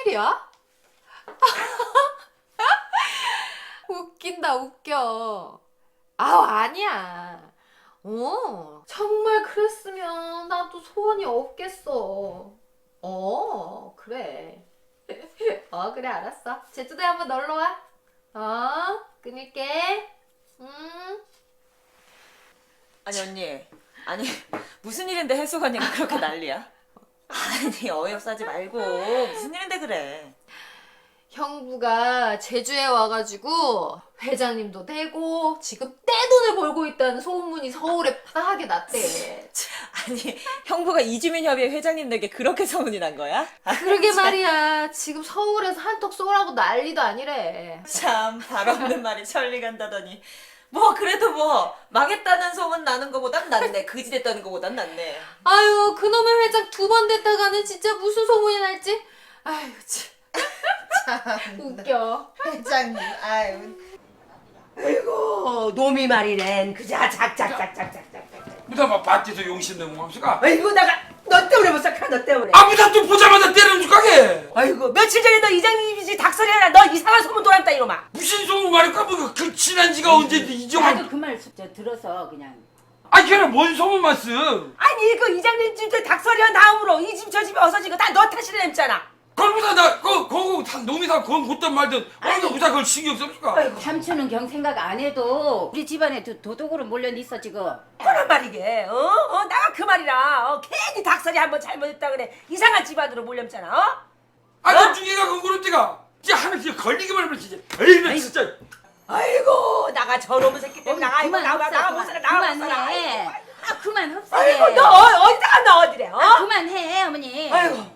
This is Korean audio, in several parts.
웬일이야? 웃긴다 웃겨. 아니야. 정말 그랬으면 나도 소원이 없겠어. 그래. 그래 알았어. 제주도에 한번 놀러와. 끊을게. 아니 언니, 아니 무슨 일인데 해수관이가 그렇게 난리야? 아니 어이없어 하지 말고 무슨 일인데 그래? 형부가 제주에 와가지고 회장님도 되고 지금 떼돈을 벌고 있다는 소문이 서울에 파하게 났대. 아니 형부가 이주민협의회 회장님에게 그렇게 소문이 난 거야? 그러게 말이야. 지금 서울에서 한턱 쏘라고 난리도 아니래. 참 발 없는 말이 천리 간다더니 뭐 그래도 뭐 망했다는 소문 나는 거보단 낫네. 그지 됐다는 거보단 낫네. 아유 그놈의 회장 2번 됐다가는 진짜 무슨 소문이 날지. 아유 참. 웃겨. 회장님, 아유. 아이고, 놈이 말이랜. 그자, 작작작작작작. 무다 막 밭에서 용신 내고 맙시까? 아이고, 너 때문에 못 살까, 너 때문에. 무다 또 보자마자 때려줄 가게. 아이고, 며칠 전에 너 이장님이지 닭소리 하나, 너 이상한 소문 돌았다, 이놈아. 무슨 소문 말일까? 그 친한 지가 언제인데 이정아. 나도 그 말 들어서 그냥. 걔는 뭔 소문 말씀? 아니, 그 이장님 집에 닭소리 한 다음으로 이 집 저 집에 어서지고 다 너 탓이라 했잖아. 그걸 무다 그거 놈이 다 그건 곧단 말든 어디서 무다 그걸 신경 씁니까? 삼촌은 경 생각 안 해도 우리 집안에 도둑으로 몰려 있어 지금. 그런 말이게, 나가 그 말이라. 괜히 닭소리 한번 잘못했다 그래. 이상한 집안으로 몰렸잖아, 그 중에가 그거는 띠가 진짜 하나 진짜 걸리기만 하면 진짜 에이 나 진짜. 아이고, 나가 저놈의 새끼 때문에 나가, 이거 나가 못 살아, 나가 못 살아. 그만해. 그만 흡수해. 아이고, 너 어디다가 너 어디래, 그만해 어머니. 아이고.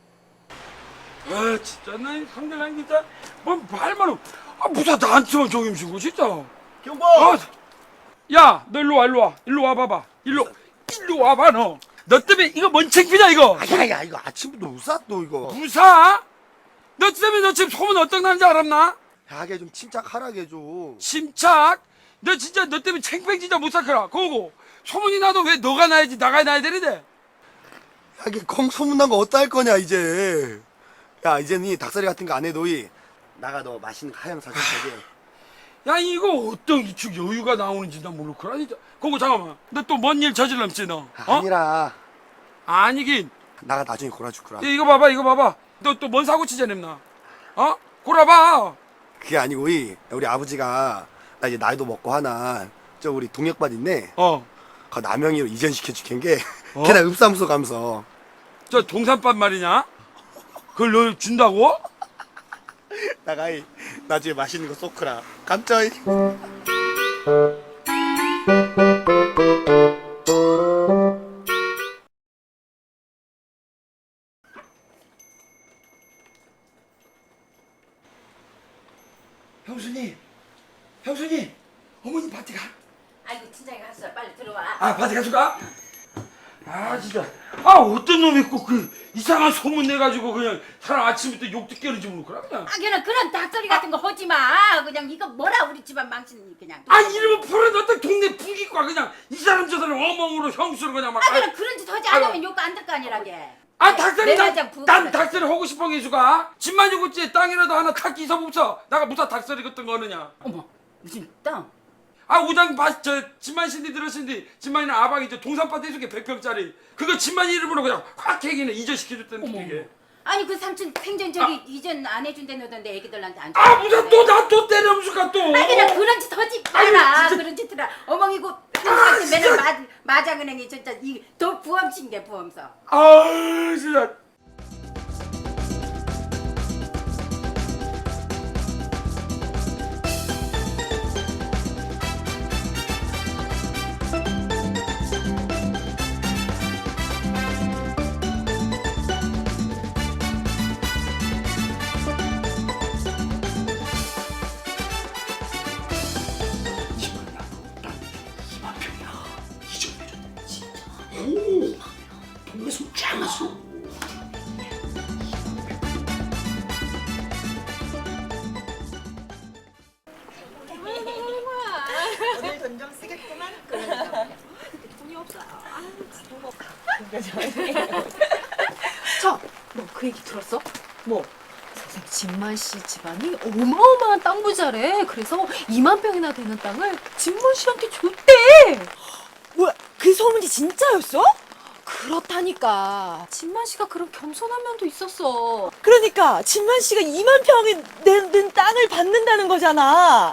진짜 나 상대랑 진짜 뭐 말만 없. 무사 나한테만 종임신고 진짜. 경보! 야, 너 일로 와 봐봐. 일로 와봐 너. 너 때문에 이거 뭔 창피냐 이거. 야, 이거 아침부터 무사 또 이거. 무사? 너 때문에 너 지금 소문 어떤 나는지 알았나? 야게 좀 침착하라게 좀. 침착? 너 진짜 너 때문에 챙팽 진짜 못 살거라. 그거고 소문이 나도 왜 너가 나야지 나가 나야 되는데. 야게 콩 소문난 거 어디다 할 거냐 이제. 야 이제는 이 닭다리 같은 거 안 해도 나가 너 맛있는 거 하양 사줄 거게. 야 이거 어떤 이축 여유가 나오는지 난 모르겠구나 진짜. 그거 잠깐만. 너 또 뭔 일 저질렀지 너? 아니라 아니긴. 나가 나중에 골아줄거라. 이거 봐봐. 너 또 뭔 사고 치자 냈나? 골아봐. 그게 아니고 우리 아버지가 나 이제 나이도 먹고 하나 저 우리 동역반 있네. 그 남영이로 이전시켜주캔 게 걔나 읍사무소 가면서. 저 동산밥 말이냐? 그걸 너 준다고? 나가 나중에 맛있는 거 쏘크라. 깜짝이. 형수님, 어머니 밭에 가. 아이고 친정에 갔어. 빨리 들어와. 밭에 가줄까? 진짜. 어떤 놈이 꼭 그 이상한 소문 내가지고 그냥 사람 아침부터 욕 듣게 하는지 모르겠구나 그냥. 그냥 그런 닭소리 같은 거 하지 마. 그냥 이거 뭐라 우리 집안 망치는 그냥. 이러면 버려놨다 동네 부기과 그냥 이 사람 저 사람 어멍으로 형수로 그냥 막. 그냥 그런 짓 하지 않으면 욕 안 들 거 아니라게. 닭다리 내장 부엌 난 그래. 닭다리 하고 싶은 게 있어가. 집만 죽었지 땅이라도 하나 탁 기서 없어. 나가 무사 닭다리 같은 거 하느냐. 어머 무슨 땅? 우장 집만 신디 들었신디 집만이는 아방이 동산밭에 있게 100평짜리 그거 집만 이름으로 그냥 확 해기는 이전시켜줬다는 분위기. 아니 그 삼촌 생전 저기 이전 안 해준다던데 애기들한테 안 무슨 또 나 또 때려무실까 또. 그냥 그런 짓 하지 마라. 진짜. 그런 짓 해라. 어멍이고 평소에 맨날 마장은행이 진짜 이더 부엄친 게 부엄서. 진짜. 오늘 돈 좀 쓰겠구만. 너 그 얘기 들었어? 뭐? 진만 씨 집안이 어마어마한 땅 부자래. 그래서 2만 평이나 되는 땅을 진만 씨한테 줬대. 뭐야, 그 소문이 진짜였어? 그렇다니까. 진만 씨가 그런 겸손한 면도 있었어. 그러니까 진만 씨가 2만 평이 된 땅을 받는다는 거잖아.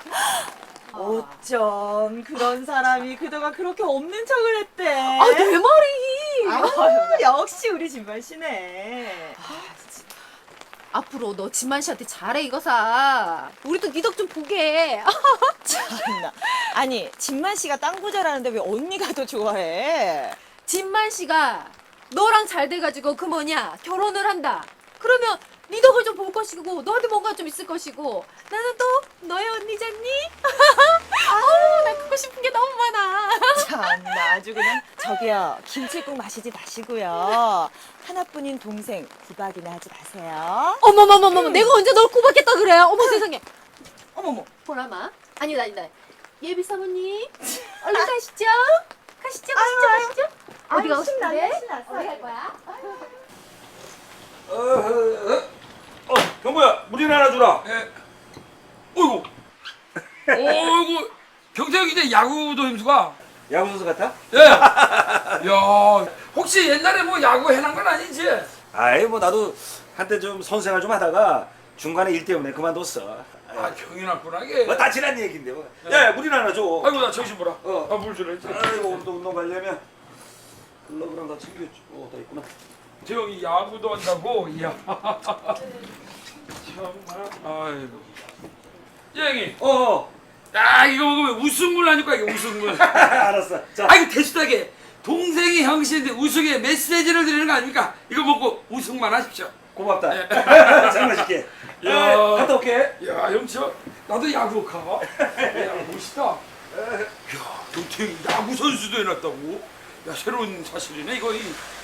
어쩜 그런 사람이 그동안 그렇게 없는 척을 했대. 아, 내 말이. 아유, 역시 우리 진만 씨네. 앞으로 너 진만 씨한테 잘해, 이거사. 우리도 네 덕 좀 보게. 참나. 아니, 진만 씨가 땅 부자라는데 왜 언니가 더 좋아해? 진만 씨가 너랑 잘 돼가지고 그 뭐냐 결혼을 한다. 그러면 네 덕을 좀 볼 것이고 너한테 뭔가 좀 있을 것이고 나는 또 너의 언니잖니? 아우 나 그거 싶은 게 너무 많아. 참나, 아주 그냥. 저기요, 김치국 마시지 마시고요. 하나뿐인 동생 구박이나 하지 마세요. 어머머머머 내가 언제 널 구박했다 그래. 어머 세상에. 어머머. 보라마. 아니다. 예비 사모님 얼른 가시죠. 가시죠. 어디 가고 싶은데? 어디 갈 거야? 경보야, 물이나 하나 주라. 예. 어이구. 어이구. 경태형 이제 야구도 힘수가. 야구 선수 같아? 예. 야, 혹시 옛날에 뭐 야구 해난 건 아니지? 아이 뭐 나도 한때 좀 선수 생활 좀 하다가 중간에 일 때문에 그만뒀어. 아, 경이 났구나 이게. 뭐 다 지난 얘긴데 뭐. 야, 물이나 하나 줘. 아이고 나 정신 보라. 어. 물 주라 했지. 아이고 오늘도 운동 가려면 글러브랑 다 챙겼지. 다 있구나. 태형이 야구도 한다고. 이야. 정말. 아이고. 예영이. 야, 이거 먹으면 웃음물 하니까 이게 웃음물. 알았어. 자. 아, 이거 대수하게 동생이 형씨인데 우승에 메시지를 드리는 거 아닙니까? 이거 먹고 우승만 하십시오. 고맙다. 잘 마실게. 야. 갔다 올게. 야, 형저 나도 야구 가. 야, 멋있다. 야, 경태형이 야구 선수도 해놨다고? 야, 새로운 사실이네 이거.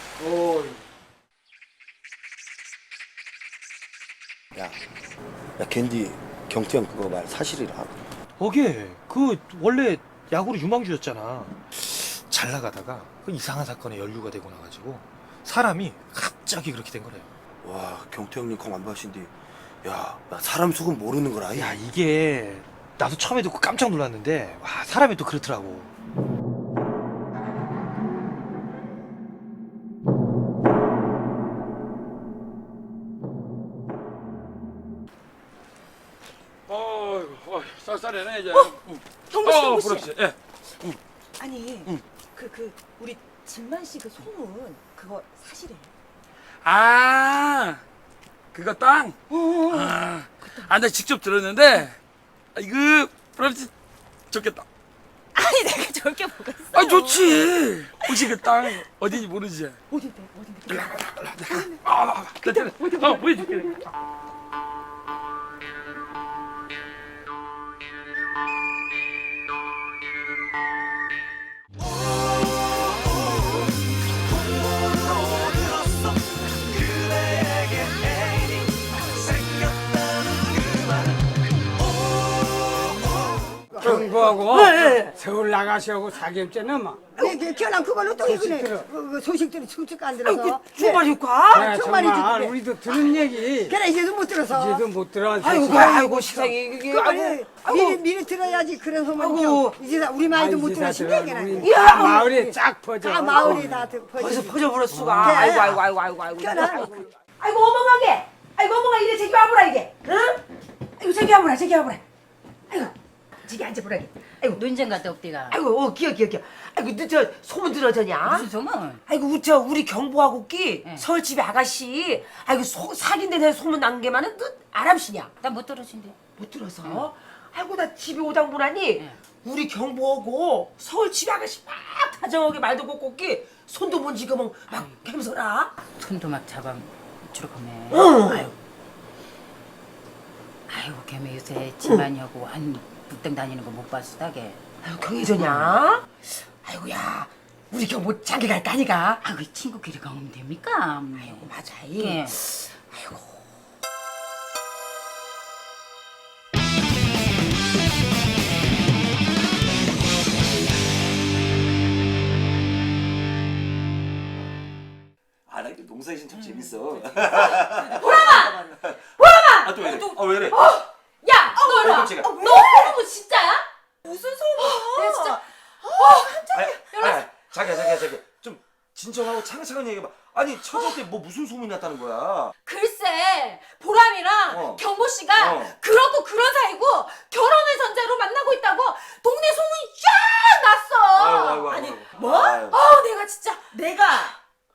야 캔디 경태형 그거 말 사실이라. 어게 그 원래 야구로 유망주였잖아. 잘 나가다가 그 이상한 사건에 연루가 되고 나가지고 사람이 갑자기 그렇게 된 거래요. 와 경태형님 콩안 봐신디. 야, 나 사람 속은 모르는 거라. 야, 이게 나도 처음에 듣고 깜짝 놀랐는데 와, 사람이 또 그렇더라고. 쌀쌀해네 이제. 경보 씨, 그렇지. 예. 아니, 우리 진만 씨 그 소문 그거 사실이에요? 아, 그거 땅. 나 직접 들었는데 이거 그렇지 좋겠다. 아니, 내가 저렇게 뭐가 있어? 아, 좋지. 혹시 그 땅 어딘지 모르지? 어딘데? 보여줄게. 경부하고 서울 나가시고 사기업체는 막 결혼 그걸로 또 이거네. 그 소식들이 쭉쭉 안 들어서. 정말 효과? 정말이지, 정말 그래. 우리도 들은 얘기 그래 이제도 못 들어서. 이제도 못 들어. 아이고 세상에 이게 그래 미리 들어야지 그런 소문이. 아이고. 이제 우리 마이도 못 들어 신기하게나. 다 마을에 쫙 퍼져. 다 마을이 다 벌써 퍼지. 퍼져버렸 수가. 그래. 아이고. 결혼. 어머가게. 아이고 어머가 이래 저기 와보라 이게. 응? 아이고 저기 와보라. 아이고 저기 앉아보라. 아이고 논쟁 같다 없디가. 아이고 기어. 아이고 너 저 소문 들었잖냐? 무슨 소문? 아이고 저 우리 경보하고 끼 서울집에 아가씨. 아이고 사귄데 내 소문 난 게 많은 너 아람씨냐? 나 못 들었신데. 못 들어서? 아이고 나 집에 오당 보라니 우리 경보하고 서울집에 아가씨 막 다정하게 말도 걷고 끼 손도 못 지금 막 겸손하. 손도 막 잡아 주룩하네. 응. 아이고 걔네 요새 집안이하고 한 북등 다니는 거 못 봤어 다게. 아이고 경혜전이야? 아이고야 우리 경보 장기 갈까 아니가? 아 그 친구끼리 가면 됩니까? 아이고 맞아. 예. 아이고. 아, 나 이거 농사의 신참 재밌어. 보라마! 아, 또 왜 이래? 왜 이래? 야, 너 일로 와. 깜짝이야. 너 소문 진짜야? 무슨 소문? 내가 진짜 자기야. 좀 진정하고 차근차근 얘기해봐. 아니 처제 때 뭐 무슨 소문이 났다는 거야? 글쎄 보람이랑 경보 씨가 그렇고 그런 사이고 결혼을 전제로 만나고 있다고 동네 소문이 쫙 났어. 아니, 뭐? 아유. 내가 진짜 내가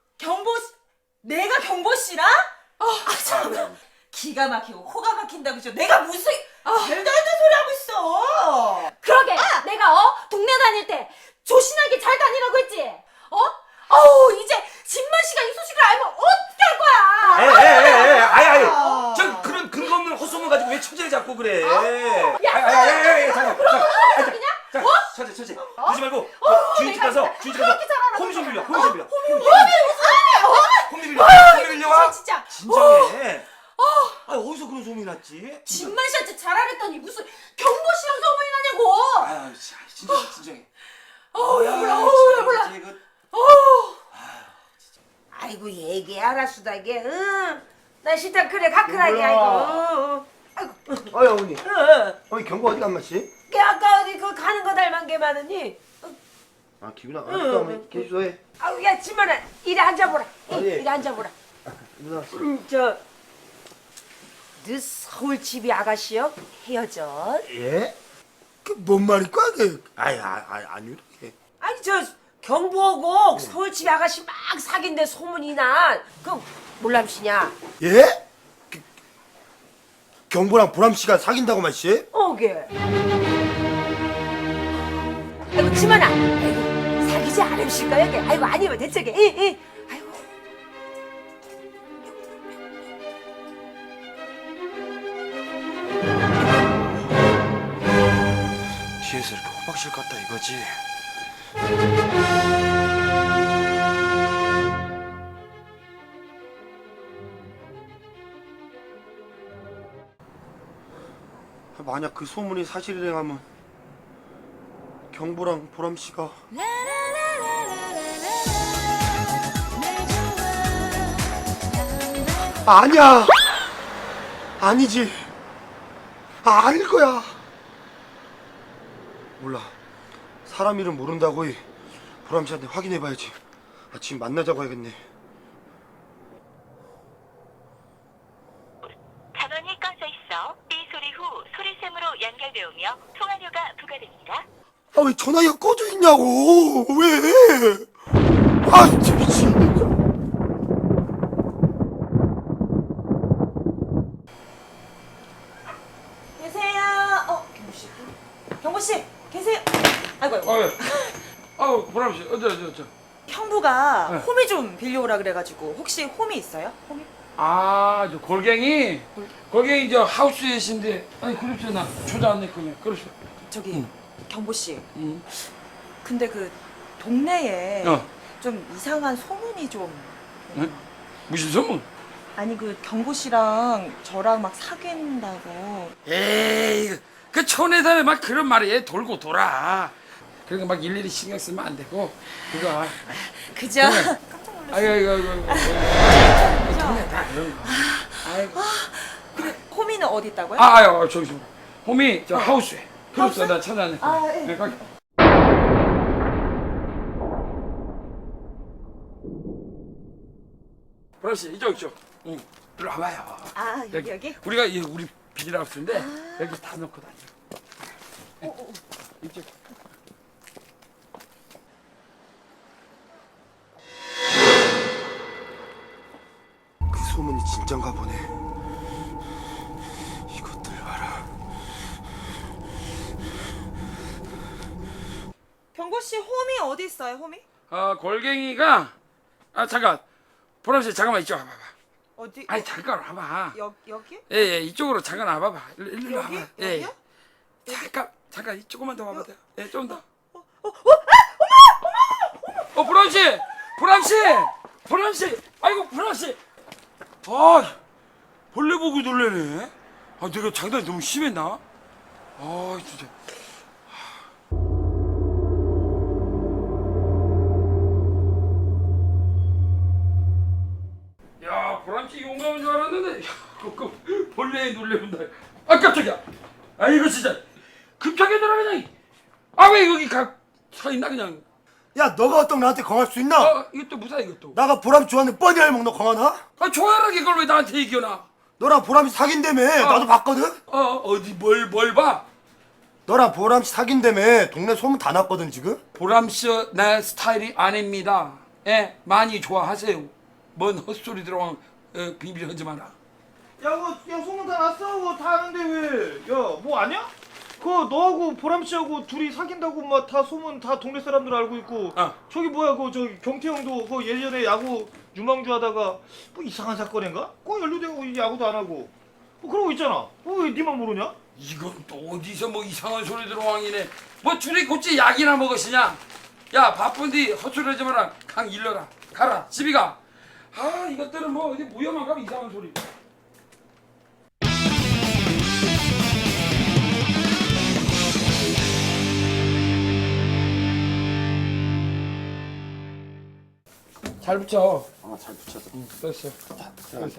경보 씨랑? 참. 기가 막히고 코가 막힌다고 죠 내가 무슨 말도 안 되는 소리 하고 있어. 그러게 내가 동네 다닐 때 조신하게 잘 다니라고 했지. 어우 이제 진만 씨가 이 소식을 알면 어떻게 할 거야? 아이. 저 그런 근거 없는 헛소문 가지고 왜 처제를 잡고 그래? 잠깐. 처제. 그러지 말고 주인집 가서 홈 좀 빌려. 홈 빌려와. 진짜 진정해. 어디서 그런 소문이 났지? 진만 씨한테 잘하랬더니 무슨 경보 씨랑 소문이 나냐고. 아유, 진정해. 몰라. 아이고 얘기 알았수다 이게. 나 싫다 그래 가크라게 아이고. 어이 어머니. 어머니 경보 어디 간 맛이? 걔 아까 어디 그 가는 거 닮은 게 많으니. 아 기분아. 알았어 어머니. 계속해. 아우 야 진만아 이리 앉아보라. 예. 이리 앉아보라. 누나. 너 서울 집이 아가씨요? 헤어져? 예? 그 뭔 말일까? 아니요. 아니 저 경보고 서울 집이 아가씨 막 사귄데 소문이 난 그 몰람씨냐? 예? 경보랑 보람 씨가 사귄다고 말씨? 어게? 아이고 지만아, 아이고 사귀지 않으실까 여게? 아이고 아니면 대체게, 아이고. 뒤에서 이렇게 호박실 같다 이거지. 만약 그 소문이 사실이라면 경보랑 보람 씨가 아니야. 아니지. 아닐 거야. 몰라. 사람 이름 모른다고 보람 씨한테 확인해봐야지. 지금 만나자고 해야겠네. 전원이 꺼져 있어 삐 소리 후 소리샘으로 연결되오며 통화료가 부과됩니다. 아 왜 전화기가 꺼져 있냐고. 왜? 아 진짜 미치겠네. 계세요. 경보 씨 계세요. 아이고. 보람 씨 어저. 형부가 홈이 좀 빌려오라 그래가지고 혹시 홈이 있어요? 홈이? 저 골갱이 저 하우스에신데 아니 그렇죠 나 초자 안 냈거든요. 그렇죠. 저기 경보 씨. 근데 그 동네에 좀 이상한 소문이 좀. 네? 무슨 소문? 아니 그 경보 씨랑 저랑 막 사귄다고. 에이 그 촌에서 막 그런 말이 돌고 돌아. 그러니까 막 일일이 신경 쓰면 안 되고 그거. 그죠? 아이고. 동네 다 그런 거. 아이고. 근데 홈이는 어디 있다고요? 저기 홈이 저 하우스에. 그렇죠 나 찾아내. 예. 네, 거기. 보람 씨 이쪽. 응. 일로 와봐요. 여기? 우리가 우리 비닐하우스인데 여기 다 넣고 다녀. 이쪽. 그 소문이 진짠가 보네. 이것들 봐라. 경보 씨 홈이 어디 있어요? 홈이? 골갱이가 잠깐. 보람 씨 잠깐만 이쪽 와봐봐. 어디? 아니 잠깐 와봐. 여기? 예 이쪽으로 잠깐 와봐봐. 일로 여기? 와봐. 예. 여기요? 잠깐 조금만 더 와봐. 예 좀 더. 보람 씨. 아이고 보람 씨. 벌레 보고 놀래네. 내가 장난이 너무 심했나? 진짜. 야, 보람 씨 용감한 줄 알았는데, 벌레에 놀래본다. 아 깜짝이야. 아 이거 진짜 급하게 들어 그냥. 아 왜 여기 서 있나 그냥. 야 너가 어떤 나한테 강할 수 있나? 이것도 무사 이것도. 나가 보람 좋아하는 뻔히 알면 너 강하나? 아 좋아하라게 그걸 왜 나한테 얘기하나? 너랑 보람이 사귄다며 나도 봤거든? 어디 뭘 봐? 너랑 보람씨 사귄다며 동네 소문 다 났거든 지금? 보람씨 내 스타일이 아닙니다. 예, 많이 좋아하세요. 뭔 헛소리 들어온 비밀 하지 마라. 야 소문 다 났어. 그거 다 아는데 왜? 야 뭐 아냐? 그거 너하고 보람씨하고 둘이 사귄다고 막 다 소문 다 동네 사람들 알고 있고. 저기 뭐야 그 저기 경태 형도 그 예전에 야구 유망주 하다가 뭐 이상한 사건인가? 그거 연루되고 야구도 안 하고. 뭐 그러고 있잖아. 왜 니만 모르냐? 이건 또 어디서 뭐 이상한 소리 들어왕이네. 뭐 둘이 곧지 약이나 먹으시냐? 야 바쁜디 헛소리 하지 마라. 강 일러라. 가라 집이 가. 아 이것들은 뭐 어디 무혐한 가면 이상한 소리. 잘 붙여. 잘 붙였어. 됐어. 됐어.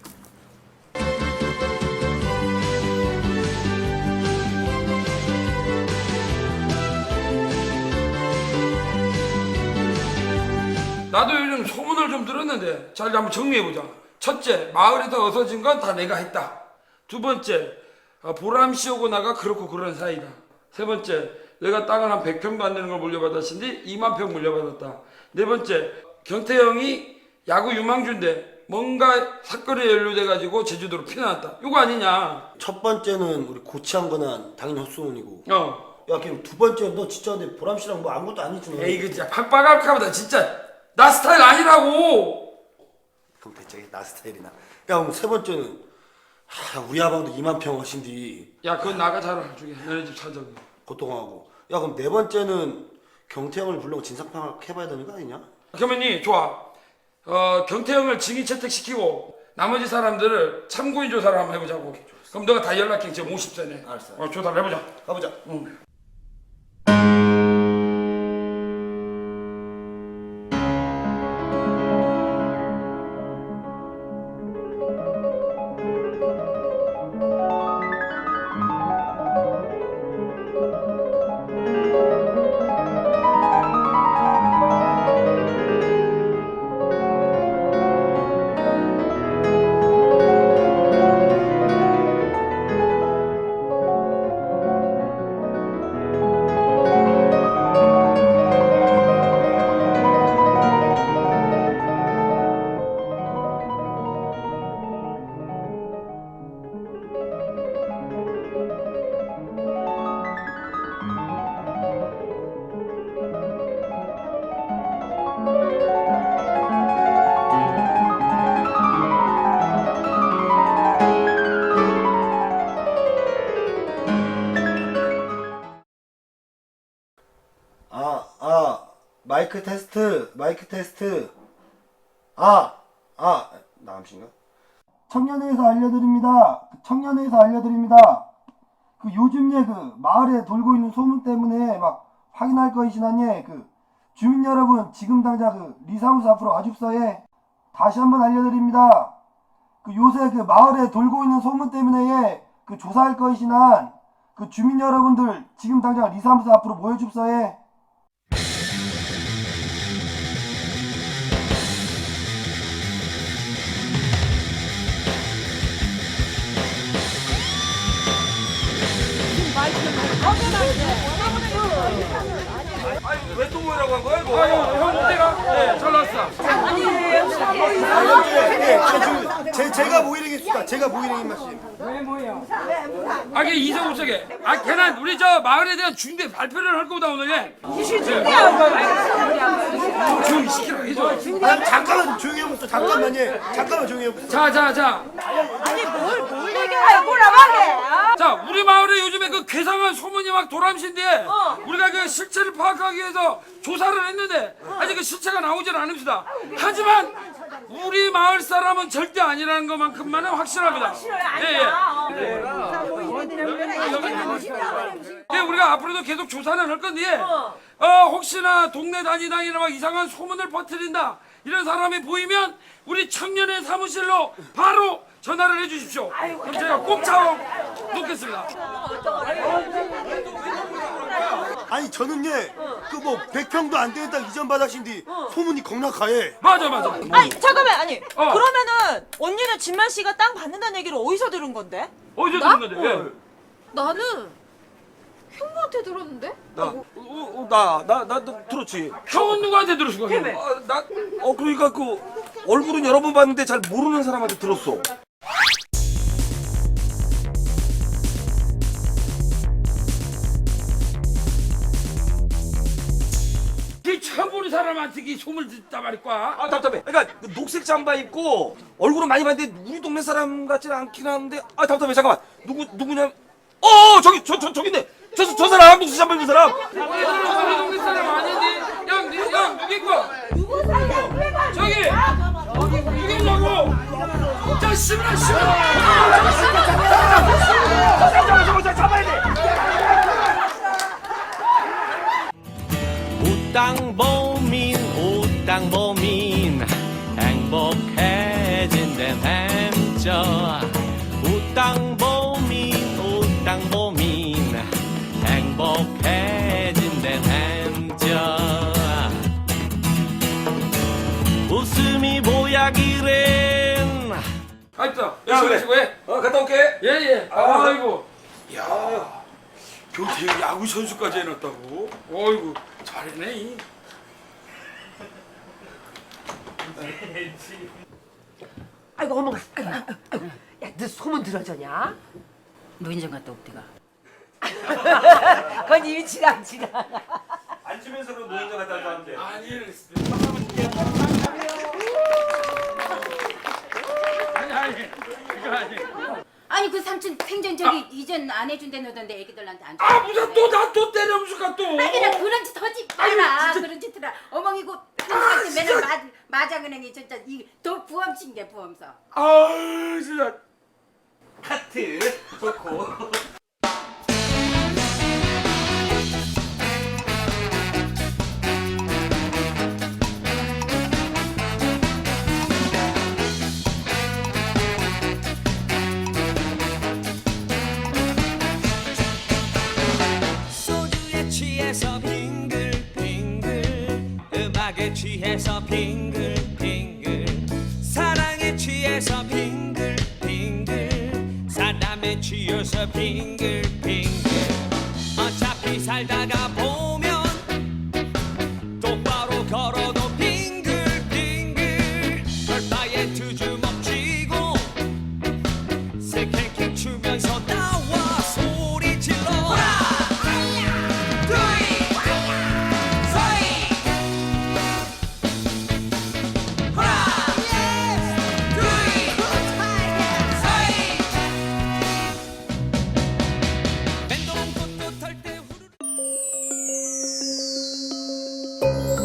나도 요즘 소문을 좀 들었는데 잘 한번 정리해보자. 첫째, 마을에서 어서진 건 다 내가 했다. 두 번째, 보람씨하고 나가 그렇고 그런 사이다. 세 번째, 내가 땅을 한 100평도 안 되는 걸 물려받았으니 2만 평 물려받았다. 네 번째, 경태 형이 야구 유망주인데 뭔가 사건에 연루돼가지고 제주도로 피난왔다. 이거 아니냐? 첫 번째는 우리 고치한 거는 당연히 헛소문이고. 야, 그럼 두 번째 너 진짜 근데 보람씨랑 뭐 아무것도 아니지 너. 에이, 그 진짜 팍팍합하다 진짜. 나 스타일 아니라고. 그럼 대체 나 스타일이나. 야 그럼 세 번째는 우리 아방도 2만 평 하신디. 야, 그건 나가 잘 알아주게. 너네 집 사정이. 고통하고. 야 그럼 네 번째는 경태형을 불러고 진상파악 해봐야 되는 거 아니냐? 그러면이 좋아. 경태형을 증인 채택시키고 나머지 사람들을 참고인 조사를 한번 해보자고. 그럼 너가 다 연락해. 지금 50세네. 알았어. 조사를 해보자. 가보자. 응. 마이크 테스트. 나암씨인가? 청년회에서 알려드립니다. 그 요즘에 그 마을에 돌고 있는 소문 때문에 막 확인할 것이시나니 그 주민 여러분 지금 당장 그 리사무소 앞으로 와줍서에 다시 한번 알려드립니다. 그 요새 그 마을에 돌고 있는 소문 때문에 그 조사할 것이시난 그 주민 여러분들 지금 당장 리사무소 앞으로 모여줍서에. 왜 또 모이라고 한 거야 이거? 형 어때가? 네, 잘 나왔어. 제가 모이랭이입니다. 제가 모이랭이 맛이. 왜 뭐야? 이게 이성 우석에. 걔는 우리 저 마을에 대한 중대 발표를 할 거다 오늘. 조용히 시키라고 해줘. 잠깐만 조용히 해보세요. 잠깐만 조용히 해보세요. 자. 뭘 얘기해요? 뭐라고 하게? 자, 우리 마을에 요즘에 그 괴상한 소문이 막 도람신데 우리가 그 실체를 파악하기 위해서 조사를 했는데 아직 그 실체가 나오질 않읍니다. 하지만 우리 마을 사람은 절대 아니라는 것만큼만은 확실합니다. 예, 우리가 앞으로도 계속 조사는 할 건데 혹시나 동네 다니다니나 막 이상한 소문을 퍼뜨린다 이런 사람이 보이면 우리 청년의 사무실로 바로 전화를 해주십시오. 그럼 제가 꼭 잡아 놓겠습니다. 아니 저는 그 뭐 100평도 안 되는 땅 이전 받으신뒤 소문이 겁나가해. 맞아. 아니 잠깐만 아니 어. 그러면은 언니는 진만 씨가 땅 받는다는 얘기를 어디서 들은 건데? 어디서 나? 들은 건데? 왜? 나는 형부한테 들었는데? 나 들었지. 형은 누구한테 들었을 거야? 그러니까 그 얼굴은 여러 번 봤는데 잘 모르는 사람한테 들었어. 그 처음 보는 사람한테 이 소문을 듣다 말이야. 아 답답해. 그러니까 그 녹색 잠바 입고 얼굴은 많이 봤는데 우리 동네 사람 같지는 않긴 한데 아 답답해. 잠깐만 누구냐? 저기네. 저 사람 녹색 잠바 입은 사람. 우리 동네 사람 아니니? 형 누구 거? 누구 사람? 저기 누구냐고? 자 시부라. 저거 잡아야 돼. 땅보민 행복해진댄 햄쪄 우땅보민 행복해진댄 햄쪄 웃음이 보약이랜. 가있다. 열심히 수고해. 갔다 올게. 예. 아이고. 야, 경태 야구 선수까지 해놨다고? 어이구 잘했네. 아이고 어머. 야너 소문 들어졌냐? 노인정 갔다 옵디가. 그건 이미 지나. 앉으면서도 노인정 갔다 왔는데. 아니. 그거 아니. 아니 그 삼촌 생전 저기 이전 안 해준다너던데 애기들한테 안 줘. 아 무슨 또 때려부수까 또. 아니라 그런 짓 하지 마라. 그런 짓 해라. 어머니고 한테 맨날 마장은행이 진짜 이더 부엄친 게 부엄서. 아유 진짜. 하트 좋고. 소주에 취해서 빙글빙글 음악에 취해서 빙글빙글 사랑에 취해서 빙글빙글 사람에 취해서 빙글빙글 어차피 살다가 보면 똑바로 걸어도 빙글빙글 별바에 두 주먹 쥐고 새끼 추면서 나와 소리 질러 맹동 꽃도 털 때 후루룩